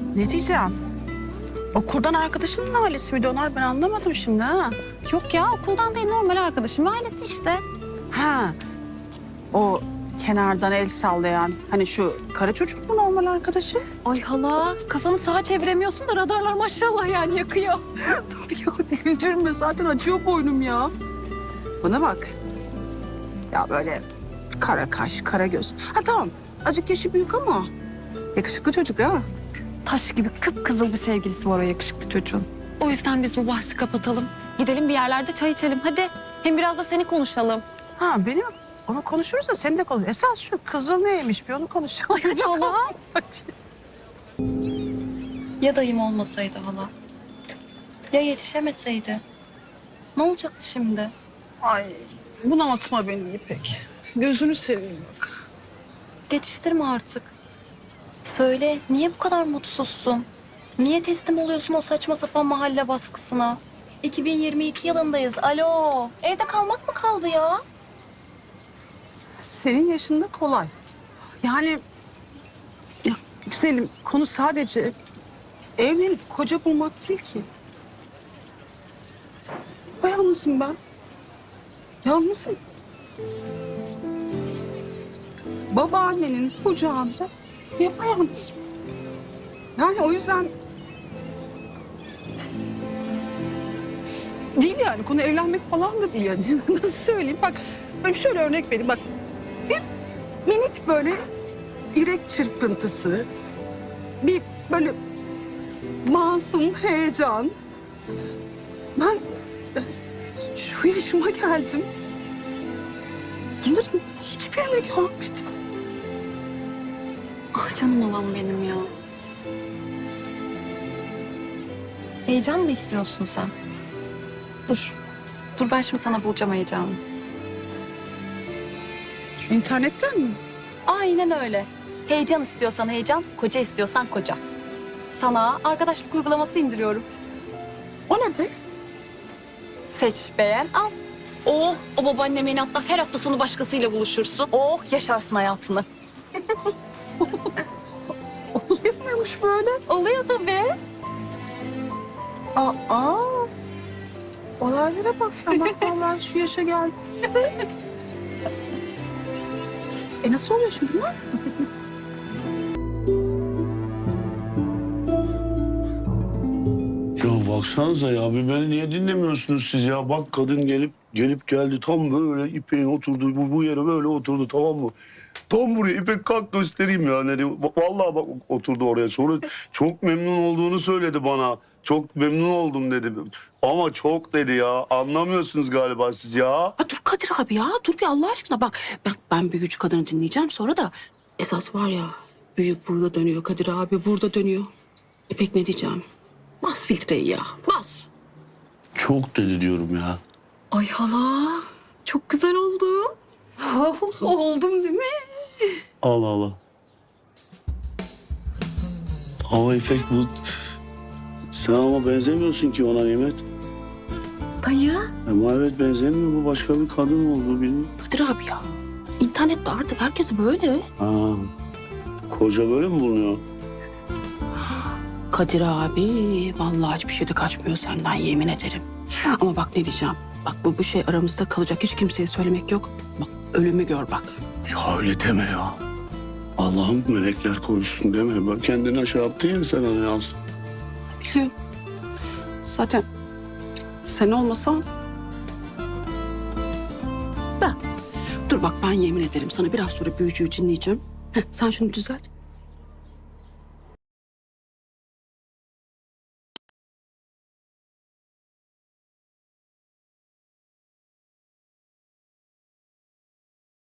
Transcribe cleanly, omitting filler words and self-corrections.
Ne diyeceğim? Okuldan arkadaşının ailesi miydi onlar? Ben anlamadım şimdi ha. Yok ya okuldan değil normal arkadaşım ve ailesi işte. Ha. O kenardan el sallayan hani şu kara çocuk mu normal arkadaşı? Ay hala kafanı sağa çeviremiyorsun da radarlar maşallah yani yakıyor. Dur ya güldürme zaten acıyor boynum ya. Bana bak. Ya böyle kara kaş, kara göz. Ha tamam azıcık yaşı büyük ama yakışıklı çocuk ha. Taş gibi kıpkızıl bir sevgilisi var o yakışıklı çocuğun. O yüzden biz bu bahsi kapatalım. Gidelim bir yerlerde çay içelim hadi. Hem biraz da seni konuşalım. Ha benim onu konuşuruz da sen de konuş. Esas şu kızıl neymiş bir onu konuşalım. Ay hadi hala. Ya dayım olmasaydı hala? Ya yetişemeseydi? Ne olacaktı şimdi? Ay bunaltma beni İpek. Gözünü seveyim bak. Geçiştirme artık. Söyle niye bu kadar mutsuzsun? Niye teslim oluyorsun o saçma sapan mahalle baskısına? 2022 yılındayız. Alo. Evde kalmak mı kaldı ya? Senin yaşında kolay. Yani ya, güzelim konu sadece evlenip koca bulmak değil ki. Yalnızım ben. Yalnızım. Babaannenin kucağında yapayalnızım. Yani o yüzden değil yani konu evlenmek falan da değil yani. Nasıl söyleyeyim bak ben şöyle örnek vereyim bak. Bir minik böyle yürek çırpıntısı, bir böyle masum heyecan. Ben şu yaşıma geldim. Bunların hiçbirini görmedim. Ah canım alan benim ya. Heyecan mı istiyorsun sen? Dur. Dur ben şimdi sana bulacağım heyecanı. Şu internetten mi? Aynen öyle. Heyecan istiyorsan heyecan, koca istiyorsan koca. Sana arkadaşlık uygulaması indiriyorum. O ne be? Seç, beğen, al. Oh, o babaannemin hatta her hafta sonu başkasıyla buluşursun. Oh, yaşarsın hayatını. Oluyor muymuş böyle? Oluyor tabii. Aa, olaylara bak sen bak vallahi şu yaşa geldim. Nasıl oluyor şimdi bunlar? Ya baksanıza ya bir beni niye dinlemiyorsunuz siz ya? Bak kadın gelip geldi tam böyle İpek'in oturduğu bu yere böyle oturdu tamam mı? Tam buraya İpek kalk göstereyim ya. Vallahi bak oturdu oraya. Sonra çok memnun olduğunu söyledi bana. Çok memnun oldum dedi. Ama çok dedi ya. Anlamıyorsunuz galiba siz ya. Ha, dur Kadir abi ya dur bir Allah aşkına bak. Ben büyücü kadını dinleyeceğim sonra da esas var ya büyük burada dönüyor Kadir abi burada dönüyor. İpek ne diyeceğim? Bas filtreyi ya bas. Çok dedi diyorum ya. Ay hala çok güzel oldun. Oldum değil mi? Allah Allah. Ama İpek bu... Sen ama benzemiyorsun ki ona Nimet. Dayı. Ama evet benzemiyor. Bu başka bir kadın oldu bilmiyorum. Kadir abi ya. İnternette artık herkes böyle. Ha. Koca böyle mi bulunuyor? Kadir abi vallahi hiçbir şeyde kaçmıyor senden yemin ederim. Ama bak ne diyeceğim. Bak bu şey aramızda kalacak hiç kimseye söylemek yok. Bak ölümü gör bak. Ya öyle deme ya. Allah'ım melekler korusun deme. Bak kendini aşağı attın ya sen ona yansın. Biliyorum. Zaten sen olmasan... Da. Dur bak ben yemin ederim sana biraz sonra büyücüyü dinleyeceğim. Heh, sen şunu düzelt.